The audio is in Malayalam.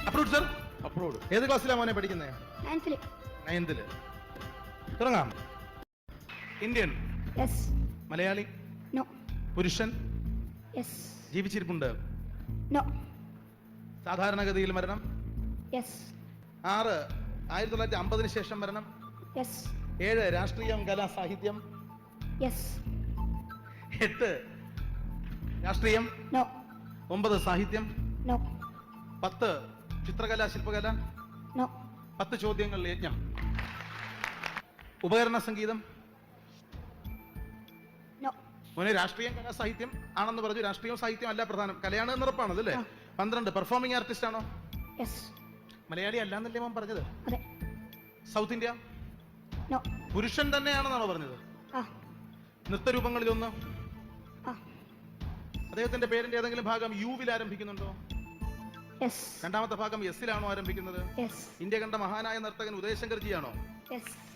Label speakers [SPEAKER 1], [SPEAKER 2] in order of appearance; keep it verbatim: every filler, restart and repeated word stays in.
[SPEAKER 1] Approve sir.
[SPEAKER 2] അപ്രൂവ്ഡ്.
[SPEAKER 1] ഏത് ക്ലാസ്സിലാണ് മോനെ പഠിക്കുന്നത്?
[SPEAKER 3] നയൻത്തില്.
[SPEAKER 1] നയൻത്തില്. തുടങ്ങാം. ഇന്ത്യൻ.
[SPEAKER 3] യെസ്.
[SPEAKER 1] മലയാളി.
[SPEAKER 3] നോ.
[SPEAKER 1] പുരുഷൻ.
[SPEAKER 3] യെസ്.
[SPEAKER 1] ജീവിച്ചിരിപ്പുണ്ട്.
[SPEAKER 3] നോ.
[SPEAKER 1] സാധാരണഗതിയിൽ മരണം.
[SPEAKER 3] യെസ്.
[SPEAKER 1] ആറ് ആയിരത്തി തൊള്ളായിരത്തി അമ്പതിന് ശേഷം മരണം.
[SPEAKER 3] യെസ്.
[SPEAKER 1] ഏഴ് രാഷ്ട്രീയം കലാ സാഹിത്യം.
[SPEAKER 3] യെസ്.
[SPEAKER 1] എട്ട് രാഷ്ട്രീയം.
[SPEAKER 3] നോ.
[SPEAKER 1] ഒമ്പത് സാഹിത്യം.
[SPEAKER 3] നോ.
[SPEAKER 1] പത്ത് ചിത്രകല ശില്പകല.
[SPEAKER 3] നോ.
[SPEAKER 1] പത്ത് ചോദ്യങ്ങൾ യജ്ഞം. ഉപകരണ സംഗീതം.
[SPEAKER 3] നോ.
[SPEAKER 1] മോനെ രാഷ്ട്രീയം കലാ സാഹിത്യം ആണെന്ന് പറഞ്ഞു. രാഷ്ട്രീയവും സാഹിത്യം അല്ല പ്രധാനം, കലയാണ് എന്ന് ഉറപ്പാണ് അല്ലേ? പന്ത്രണ്ട് പെർഫോമിംഗ് ആർട്ടിസ്റ്റ് ആണോ?
[SPEAKER 3] യെസ്.
[SPEAKER 1] മലയാളി അല്ലാന്നല്ലേ മോൻ പറഞ്ഞത്?
[SPEAKER 3] അതെ.
[SPEAKER 1] South India.
[SPEAKER 3] നോ.
[SPEAKER 1] പുരുഷൻ തന്നെയാണെന്നാണോ പറഞ്ഞത്?
[SPEAKER 3] ആ.
[SPEAKER 1] നൃത്തരൂപങ്ങളിലൊന്ന്.
[SPEAKER 3] ആ.
[SPEAKER 1] അദ്ദേഹത്തിന്റെ പേരിന്റെ ഏതെങ്കിലും ഭാഗം യുവിൽ ആരംഭിക്കുന്നുണ്ടോ?
[SPEAKER 3] യെസ്.
[SPEAKER 1] രണ്ടാമത്തെ ഭാഗം എസിലാണോ ആരംഭിക്കുന്നത്?
[SPEAKER 3] യെസ്.
[SPEAKER 1] ഇന്ത്യ കണ്ട മഹാനായ നർത്തകൻ ഉദയശങ്കർ ജിയാണോ?
[SPEAKER 3] യെസ്.